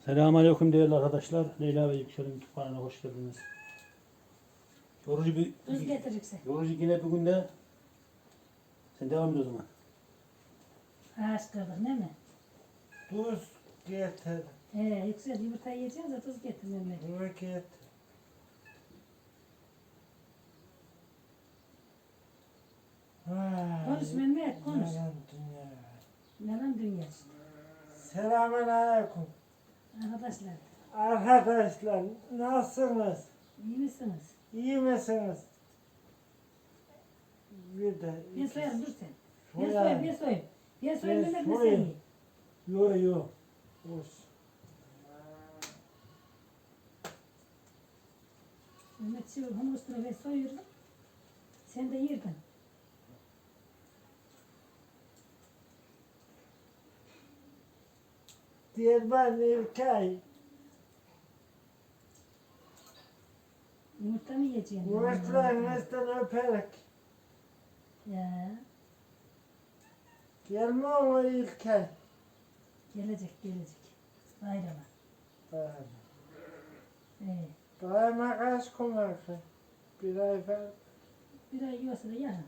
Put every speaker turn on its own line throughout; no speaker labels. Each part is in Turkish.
Selamünaleyküm değerli arkadaşlar. Leyla ve Yüksel'in YouTube kanalına hoş geldiniz.
Tuz getirirse.
Yorucu yine bugün de sen devam et o zaman.
Ağaç kırdık değil mi?
Tuz getir.
Yüksel yumurta yiyeceğiz de tuz getir Mehmet.
Tuz getir.
Konuş Mehmet, konuş.
Yalan dünya.
Yalan dünya işte.
Selamünaleyküm.
Arkadaşlar,
Arkadaşlar nasılsınız?
iyi misiniz?
İyi misiniz? Bir de
Ben soyarım, dur sen. Ben
Soyarım.
soyayım, ben soyayım. Ben soyayım
Ben
Mehmet, ne sen
soyayım.
ye.
Yo yo. Olsun.
Mehmet şu hamur üstüne ben soyuyorum. Sen de yerdin.
Diyarbakır İlkay.
Yumurta mı yiyeceksin?
Yumurtlarınızdan öperek.
Ya,
Gelme o İlkay.
gelecek. Bayrama.
Daima kaç gün var ki? Bir ay falan.
Bir ay yiyorsa da yarın.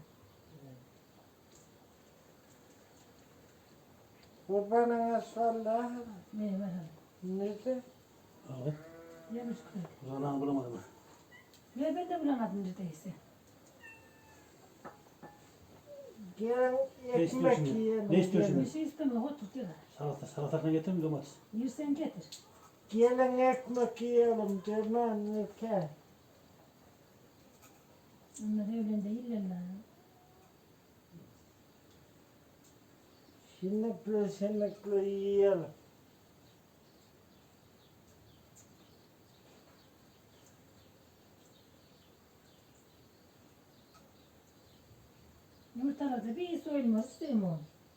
Kurbanınız vallahi.
Ne var hadi.
Nerede?
Abi,
Yemiş koy.
o zaman bulamadım ha.
Ve ben de bulamadım neredeyse.
Gelin
Ne istiyorsun
ekmek
şimdi?
yiyelim.
Ne istiyorsun
Bir
gelin.
şey istemiyor, otur diyorlar.
Salatasını getirir mi domates?
Yersen getir.
Gelin ekmek yiyelim Cerman Ülke.
Onlar evlen değiller lan.
Şinlikli yiyelim.
Yumurtalarda bir soyulmaz, istemiyor.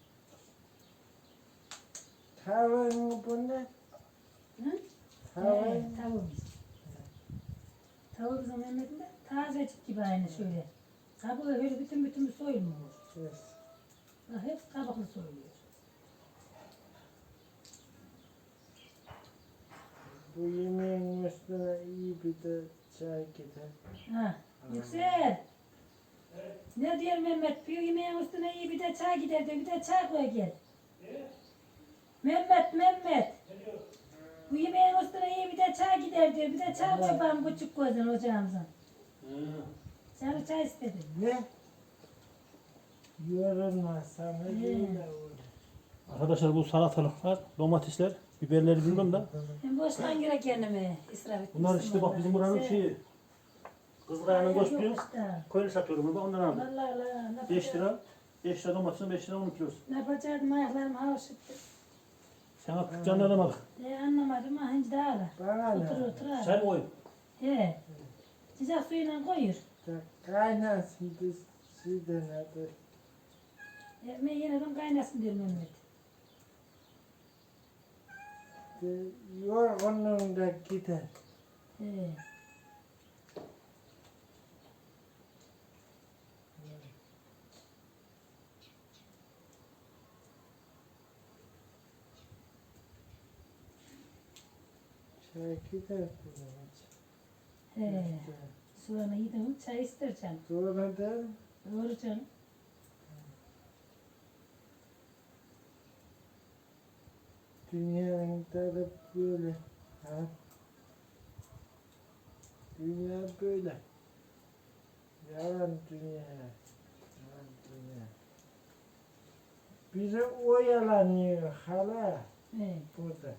Tavuğun bu ne?
Hı?
Tavuğun.
Tavuğumuz. Tavuğumuzun Mehmet'inde tazecik gibi aynı şöyle. Kabuğu böyle bütün soyulmuyor.
Yes.
Bak hep kabuklu soyuluyor.
Bu yemeğin üstüne iyi bir de çay gider.
Ha, Yüksel. Ne diyor Mehmet? Bir yemeğin üstüne iyi bir de çay gider diyor. Bir de çay koy gel. Mehmet. Bu yemeğin üstüne iyi bir de çay gider diyor. Bir de çay koy bana küçük gözden ocağımızın. Sarı çay istedim.
Ne? Yorulma sana değil de öyle.
Arkadaşlar bu salatalıklar, domatesler, biberleri bilmem da.
Ben boştan göre kendimi israf etmiştim.
Bunlar işte bak bizim buranın
vallahi.
şeyi. Kızılay'ın
Yok
koşturuyor.
işte.
Köylü satıyorum ben ondan aldım.
Vallahi la, ne
5 lira. 5 lira domatesin 5 lira 10 kilosu.
Ne yapacaktım ayaklarım havşıttı.
Sana canlarına bak.
Anlamadım ha hinci daha ala.
Bana
Otur
ne?
otur ha.
Çay mı koyun?
He. Sıcak suyla koyur.
Kaynasın biz sizden hadi.
Ben yeniden kaynasın diyor Mehmet.
Yorgunluğun da gider.
He.
Çay gider.
He. Soğanı yedim çay ister canım.
Sonra da
Doğru canım.
dünyanın tadı böyle. Ha? Dünya böyle. Yalan dünya. Yalan dünya. Bizi oyalanıyor hala
He.
burada.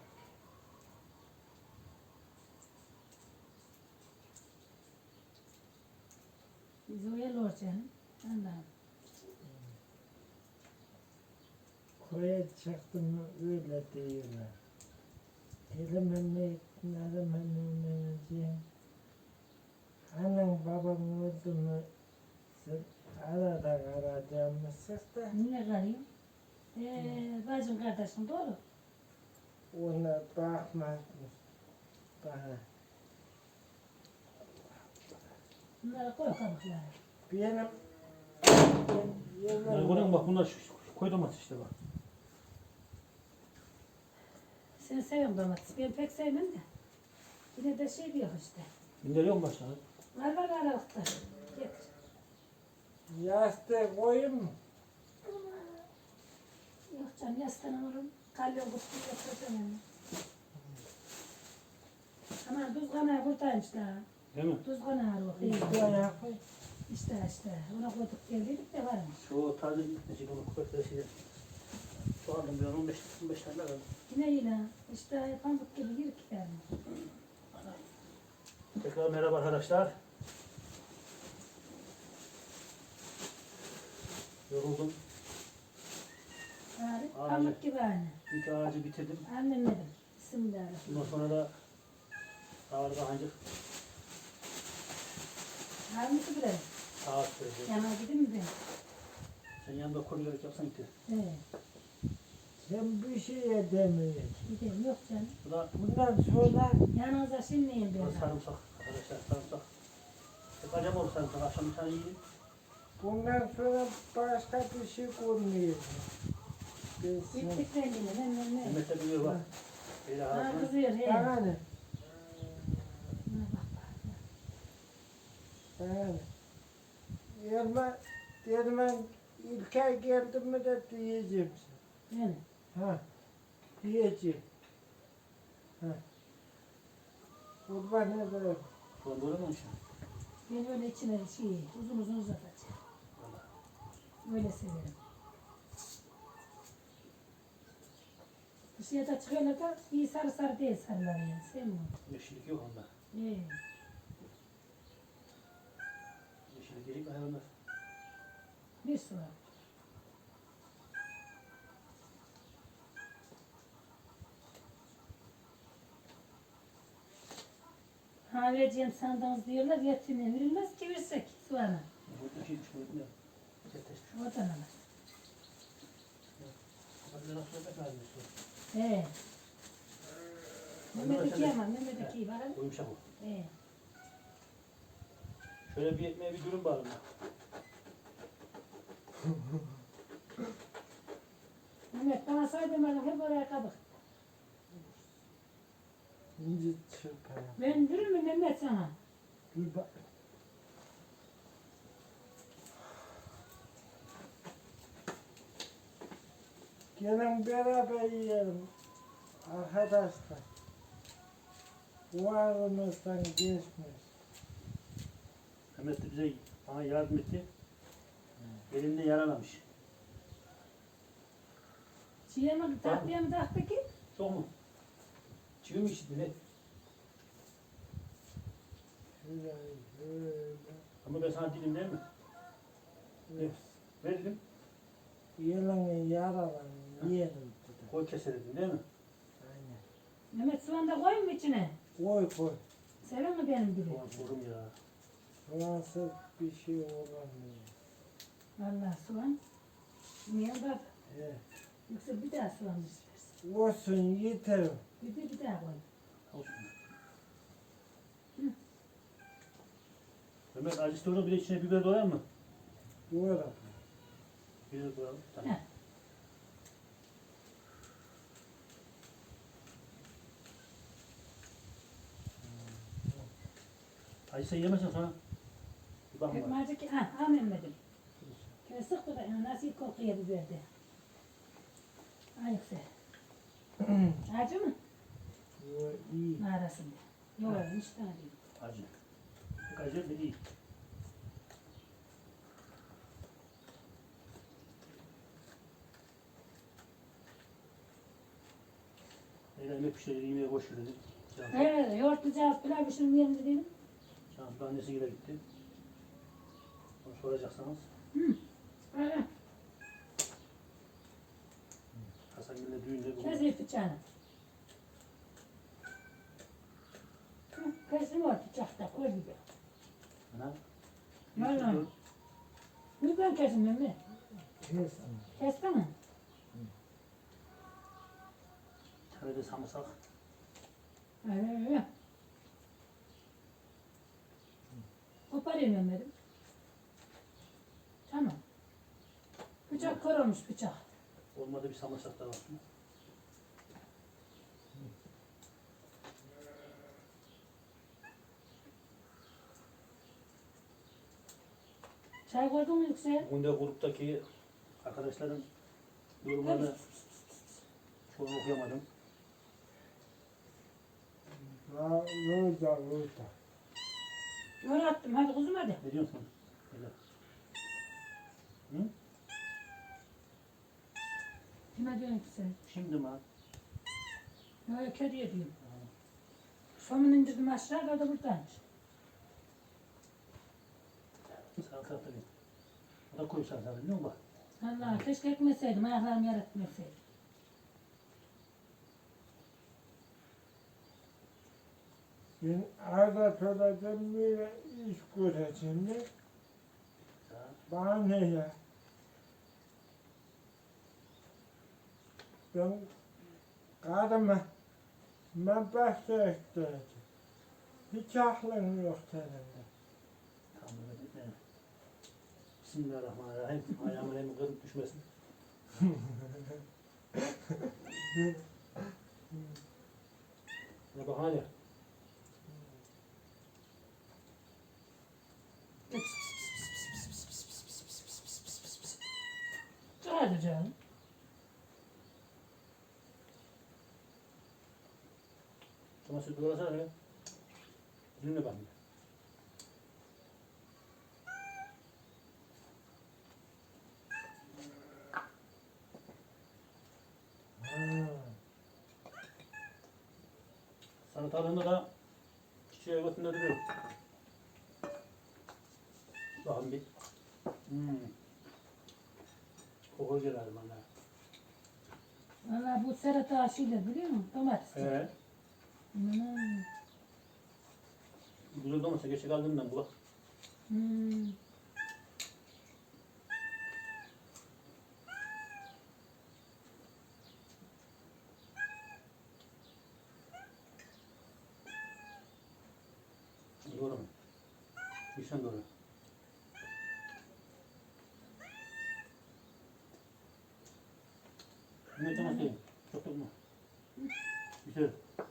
Biz oyalıyor canım. Allah'ım.
Koya çıktım mı öyle diyorlar. Elime ne ettin, elime ne diyeceğim. Annen babam öldü mü sen arada arayacağımızsız da
Niye karıyım? Bacım kardeşim doğru.
ona bakmazmış bana.
Bunlara koy kabukları.
Benim
Yani görüyor musun bak bunlar koy domates işte bak.
Sen seviyorsun domates. Ben pek sevmem de. Yine de şey diyor işte.
Binder yok mu başta?
Var var aralıkta. Getir.
Yastığı koyayım mı?
Yok canım yaslanın oğlum. Kalyon kutuyu getireceğim yani. Aman tuz kanağı buradaymış daha.
Değil mi?
Tuz kanağı o. İyi.
Buraya koy.
İşte. Ona koyduk geldiydik de varmış.
Şu taze gitmeyecek onu kupetleri şey. Şu aldım bir 15 tane daha aldım.
Yine. İşte pamuk gibi yirik yani.
Tekrar merhaba arkadaşlar. Yoruldum.
Bari
Aynen.
pamuk gibi aynı.
İlk ağacı bitirdim.
Annemedim. Bismillahirrahmanirrahim.
Bundan sonra da ağır kahancık
Var mı ki buraya?
saat sürecek.
Yana gideyim mi ben?
Sen yanında koruyarak yapsan gitti.
Evet.
Sen bir şey edemiyorsun.
Gidelim. Yok canım.
Bu da
Bundan sonra
Yanınıza şimdi
bu da
ben.
sarımsak arkadaşlar, sarımsak. Hep acaba olur sarımsak. Akşam bir tane yiyelim.
bundan sonra başka bir şey görmeyeceğim. Ben sana.
Bittik rengini. Ne.
Mehmet'e biliyor bak. Böyle
Ha
arasına.
kızıyor he.
Bana ne?
Ha, bak.
Bana ne? Derman İlker geldi mi de diyeceğim
Yani.
sana. Ha. Diyeceğim. Ha. Kurban ederim.
Ulan böyle mi olmuş?
Ben öyle içine şey uzun uzatacağım. Öyle severim. Dışarıda çıkıyorlar da iyi sarı değil sarılar yani. Sevmiyorum.
Yeşillik yok onda. Yeşillik yiyecek hayvanlar.
Bir su var. Ha vereceğim sandığınız diyorlar yetine verilmez ki versek soğanı.
Bu iki üç boyut ne? Çeteşmiş.
Oradan alır.
Hadi nasıl yemek lazım?
He. Mehmet iki ama Mehmet iki bakalım.
Uyumuşak o.
He.
Şöyle bir ekmeğe bir dürüm bağlı.
Mehmet bana saydım hep oraya kabuk.
İnci çırpayım.
Ben dürüm mü Mehmet sana?
Bir bak. Gelin beraber yiyelim. Arkadaşlar. Varımızdan geçmez.
Mehmet de bize bana yardım etti. Elinde yaralamış.
Çiğe mi tatlıya mı taktı ki?
Çok mu? Çiğ mi işittin ne?
Şöyle.
Ama ben sana dilim değil mi?
Evet.
Ver dedim.
Yılanı yaralan yiyelim dedi.
Koy keselim değil mi?
Aynen.
Mehmet soğan da koyayım mı içine?
Koy koy.
Sever mi benim gibi?
Soğan sorum ya.
Fransız bir şey olamıyor.
Vallahi soğan. Niye bak?
Evet.
Yoksa bir daha soğan mı istersin?
Olsun yeter.
Bir daha koy.
Olsun. Mehmet acı istiyorsan bir de içine biber doyar mı?
Doğru.
Biber doyalım. Tamam.
Heh.
Acı sen yemezsen sonra bir bakma.
Ekmacı ki, al Mehmet'im. Şöyle sıktı da nasıl kokuyor biberdi. Ayıksa. Acı mı?
Yo, iyi.
Arasında. Yok, hiç tane değil.
Acı. Pek acı da değil. Yemek pişirdi, yemeğe boş ver dedim.
Evet, yoğurtlu cevap pilav pişirmeyelim dedim.
Şanslı annesiyle gitti. Onu soracaksanız.
Evet,
Hasan Gül'le düğünde bu.
kesin bıçağını. Kesin var bıçakta, koy gibi.
Ana.
Vallahi. Bu ben kesin Mehmet.
Kes.
Kestin mi?
Bir tane de samırsak.
Evet. Koparayım Mehmet'im. Tamam. Bıçak kör olmuş bıçak.
Olmadı bir samırsak da olsun.
Çay koydun mu Yüksel?
Bugün de gruptaki arkadaşların yorumlarını çoğunu okuyamadım.
Burada.
Öyle attım. Hadi kuzum hadi.
Ne diyorsun? Öyle. Hı?
Kime diyorsun Yüksel?
Şimdi mi?
Öyle kediye diyorum. Somunu indirdim aşağı kaldı buradaymış.
Salata yapayım. O da koyu salata biliyor musun bak?
Allah keşke ekmeseydim. Ayaklarımı yer etmeseydim.
Ben arada söyleyeceğim böyle iş göreceğim de.
Ya.
Bana ne ya? Ben karıma ben başta ektireceğim. Hiç aklım yok senin.
Tamam Mehmet etme. Bismillahirrahmanirrahim. Ayağımın elimi kırıp düşmesin. Ne bak hadi.
Hadi canım.
Çamaşır dolasana öyle. Dinle bak. Salatalığında da çiçeğe götünde duruyor. Bakın bir. Koku gelir bana.
Valla bu serata aşıyla biliyor musun? Domates.
He. Güzel domates geçe kaldığından bu bak.
Hmm.
Doğru mu? Güzel doğru. Ne domates değil. Çok tutma. Güzel.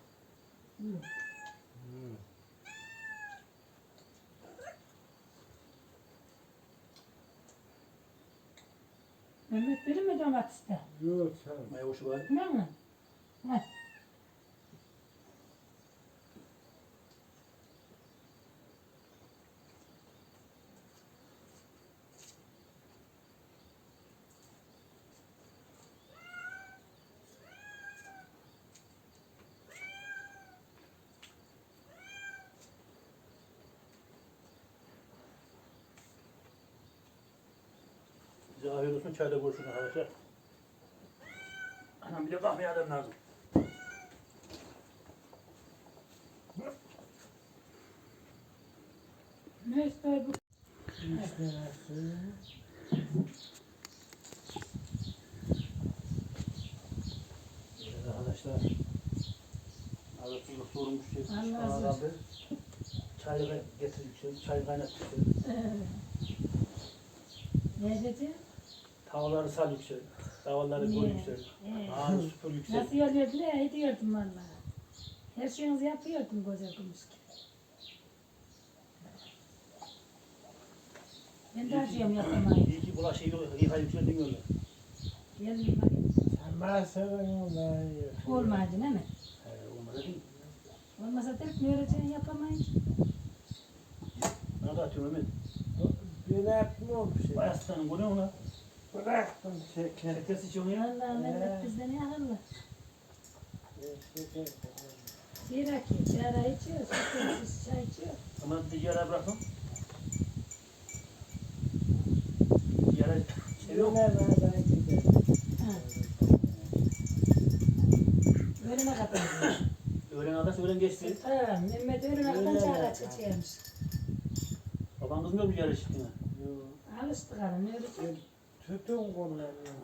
Mehmet verir mi domateste?
Yok sen.
Maya hoşu var.
Ne mi? Heh.
Size afiyet olsun. Çayda görüşürüz arkadaşlar. Anam bir de kahve adam lazım.
Ne ister bu?
İşte nasıl?
Evet arkadaşlar. Arasında sorulmuş şey.
Allah razı olsun.
Çayı getirdik şey. Çay kaynattık şey.
Ne dedi?
Tavaları sal yüksel. Tavalları koy yüksel. Ağını süpür yüksel.
Nasıl oluyordu ne? Ediyordum valla. Her şeyinizi yapıyordum koca gümüş gibi. Ben de acıyorum yapamayı.
İyi ki bulaşığı yıka yüksel demiyorlar.
Geldim hadi.
Sen bana sevenin ondan yiyor.
Olmadı değil mi?
Olmadı değil mi?
Olmasa tek mi öğreteceğini yapamayız?
Ne kadar atıyorum Mehmet?
Ben yapmıyorum bir şey.
Bayaslanın bu ne ona?
Bıraktım şeker.
Herkes içiyor ya.
Vallahi Mehmet bizden ne akıllı.
Şeker.
Zira ki çare içiyor, şekersiz çay içiyor.
Ama bir yere bırakın. Yere seviyor mu?
Nereden gidelim?
Ha. Öğlene kadar.
Öğlen arkadaş öğlen geçti.
Ha, Mehmet öğlene kadar çare içiyormuş.
Baban kızmıyor mu yere çıktığına?
Yok.
Alıştık hanım, ne öğretecek?
Tütün kullanıyorum.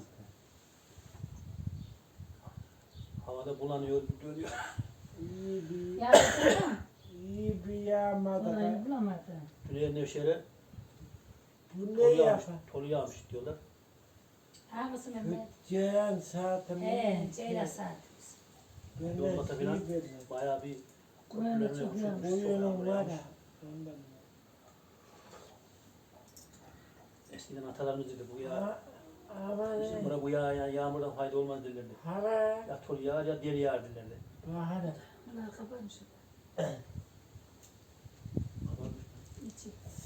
Havada bulanıyor, dönüyor.
İyi bir,
Yaptın mı?
iyi bir yağmada.
Olayı bulamadı.
Bu
Tüneye Nevşehir'e
ne
tolu yağmış,
yapar?
tolu yağmış diyorlar.
Hangisi Mehmet?
Ceyhan saatimi.
Ceyla saatimiz.
Ben de
Yolmata falan
iyi bildim.
bayağı bir
Böyle çok
köprülerine
yağmış.
Bu yönüm var
yağmış.
ya. Ondan.
Eskiden atalarımız dedi bu ya.
Ama
Bizim
ne?
bura bu yağmurdan fayda olmaz derlerdi.
Hava.
Ya tol yağar ya deri yağar derlerdi.
Bahane.
Bunlar kapanmış. İçi.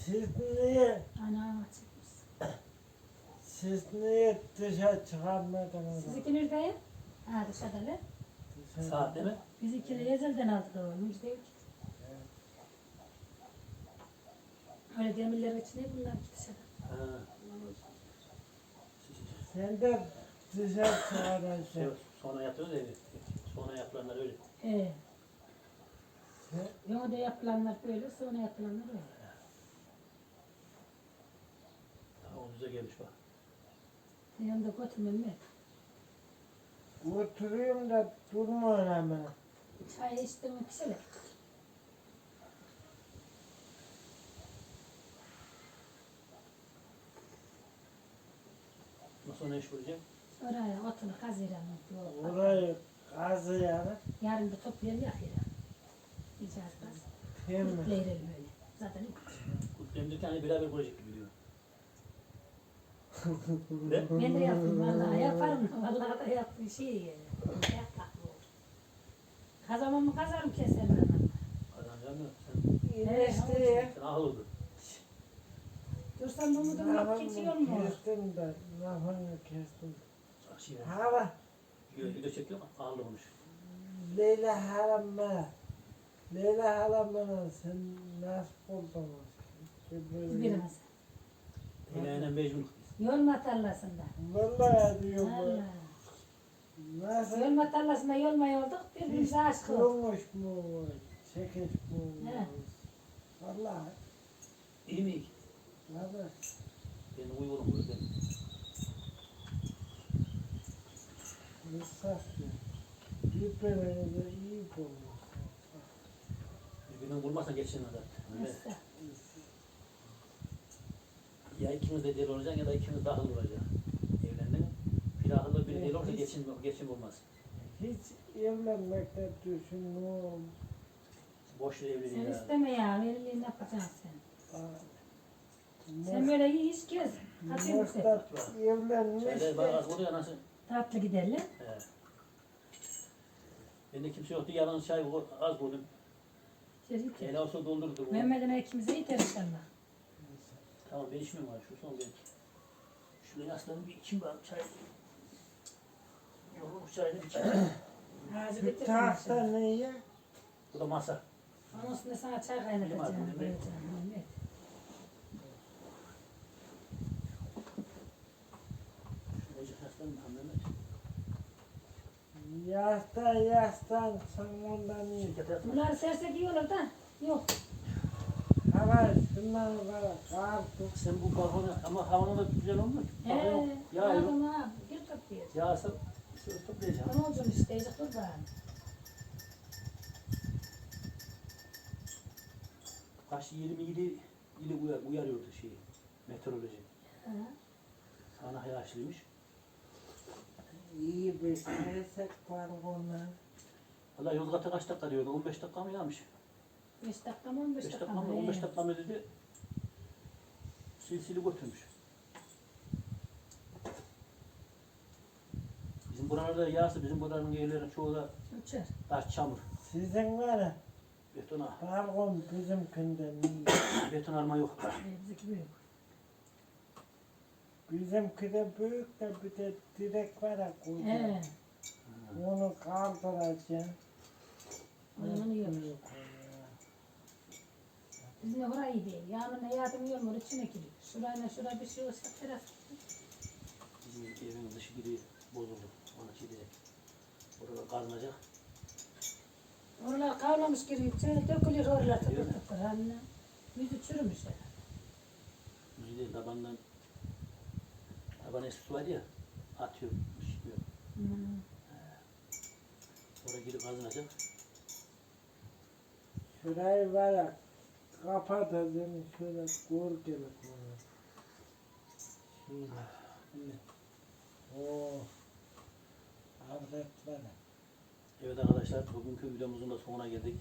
Ana çıkmış.
Siz niye dışarı çıkarmadınız?
Sizinki nerede? Ha dışarıda lan.
Saat değil mi?
Bizimkileri ezelden aldık o. Müjde değil ki. Öyle demirler içine bunlar ki dışarıda.
Ha.
Sen de dışarı çıkaracaksın.
Şey, sonra yapıyoruz ya. Sonra yapılanlar öyle.
Yok da yapılanlar böyle, sonra yapılanlar öyle.
Daha ucuza gelmiş bak.
Yanında götürmem mi?
Oturuyorum da durmuyor hemen.
Çay içtim mi pişelim.
Nasıl ne iş bulacak?
Oraya otunu kazıyalım.
Orayı kazıyalım.
Yarın da toplayalım yakayalım. Yiyeceğiz kaz.
Temiz.
Kutlayalım öyle. Zaten
Kutlayımdaki hani beraber bulacak gibi diyor. Ne?
ben de yaptım vallahi yaparım. Vallahi da yaptım şey. Kazamamı kazarım keserim ben.
Kazanacağım da
İnişti.
sen ahıl oldun.
Dursam bunu da geçiyor mu?
Kestim ben. Lafını kestim.
Şey,
Hava.
video çekiyor mu? Ahıl olmuş.
Leyla halam bana. Leyla halam bana sen nasıl buldun?
Birimiz.
Hele mecnun.
Yolma tarlasında.
Vallahi diyorum ben.
Vallahi.
Nasıl?
Yolma tarlasında yolmaya olduk. Birbirimize aşık olduk.
Olmuş mu? Çekiş mi?
He.
Vallahi.
İyi mi?
Vallahi.
Ben uygunum burada.
Misafir. Birbirinize iyi bulmuş.
Birbirinden vurmazsan geçsin zaten. Öyle.
Nasıl?
Ya ikimiz de deli olacak ya da ikimiz dahil olacak. Evlendin. Bir ahıllı bir deli olursa geçim olmaz.
Hiç evlenmekte düşünmüyorum.
Boş ver
Sen
evliliği ya.
isteme ya. Evliliğini yapacaksın sen.
Aa,
Sen böyle iyi iş gez. Atayım mı sen?
Muhtar evlenmiş
Şeyler bana az oluyor nasıl?
Tatlı gidelim.
He. Bende kimse yoktu. Yalnız çay az buldum.
İçeri içeri.
Hele olsa doldurdu.
Mehmet'in ikimize yeter inşallah.
Tamam ben içmiyorum var. Şu son belki. Şuraya yaslanıp bir içeyim bari çay. Yorulmuş çayını bir içeyim.
Ağzı
Şu
bitirsin
tahta
inşallah.
neye?
Bu da masa.
Onun üstüne sana çay kaynatacağım.
Limon,
Koyacağım. Mehmet.
Şuraya yaslanıp Mehmet.
Yastan sonundan iyi.
Şirkete yatma.
Bunları sersek iyi olur da. Yok.
Hava şundan var. Karpuz.
Sen bu balkona ama havanın da güzel olmuyor. Balkon ya
Aldım ha. Gel toplayacağım.
yağsa söz toplayacağım.
Ne olacak işte. Dur bakalım.
Kaç 27 ili uyarıyordu şeyi. Meteoroloji.
Ha.
Sana yağışlıymış.
İyi bir esek var ona.
Valla Yozgat'a kaç dakika diyordu? 15 dakika mı yağmış?
5 dakika mı 15
5
dakika
dakika
mı?
mı 15 dakika mı dedi. Silsili götürmüş. Bizim buralarda yağsa bizim buranın yerlerin çoğu da
Uçar.
taş çamur.
Sizin var ya,
Betona,
balkon bizimkinden iyi.
beton arma yok.
Bizimki büyük.
Bizimki de büyük de bir de direk var ya koca.
He.
Onu kaldıracaksın.
Onun iyi olur.
Büyük o ya.
Bizim de orayı iyi değil. Yağmurla yardım yiyor içine giriyor. Şurayla şuraya bir şey olsa teras.
Bizim evin dışı gibi bozuldu. Ona şey diyecek. Orada kazınacak.
Oralar kavlamış giriyor. İçine dökülüyor oralar tıkır
Değil mi?
tıkır. Haline. Yüzü çürümüş ya.
Müziği değil tabandan. Taban eski var ya. Atıyor. Işıkmıyor.
Hmm.
Oraya girip kazınacak.
Şurayı var ya, kapatacaksın şöyle gölgelik onu. Şöyle.
Evet.
Oo. Hazret var ya.
Evet arkadaşlar bugünkü videomuzun da sonuna geldik.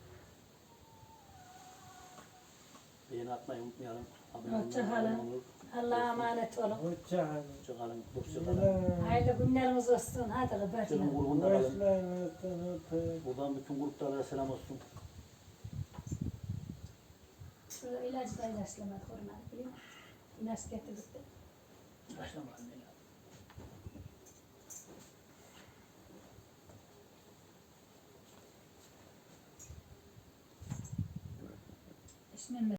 Beğeni atmayı unutmayalım. Abone olmayı
Hoşça kalın.
unutmayalım.
Allah'a emanet olun.
Hoşça kalın.
Hoşçakalın. Hoşçakalın.
Hayırlı günlerimiz olsun. Hadi
Senin
kapatın.
grubunda kalın.
Başlarınızdan öpeyim.
Buradan bütün gruplara selam olsun.
Şurada ilaç da ilaçlamadık onları biliyor musun? İlaç getirdik de.
Başlamadım ya.
İsmim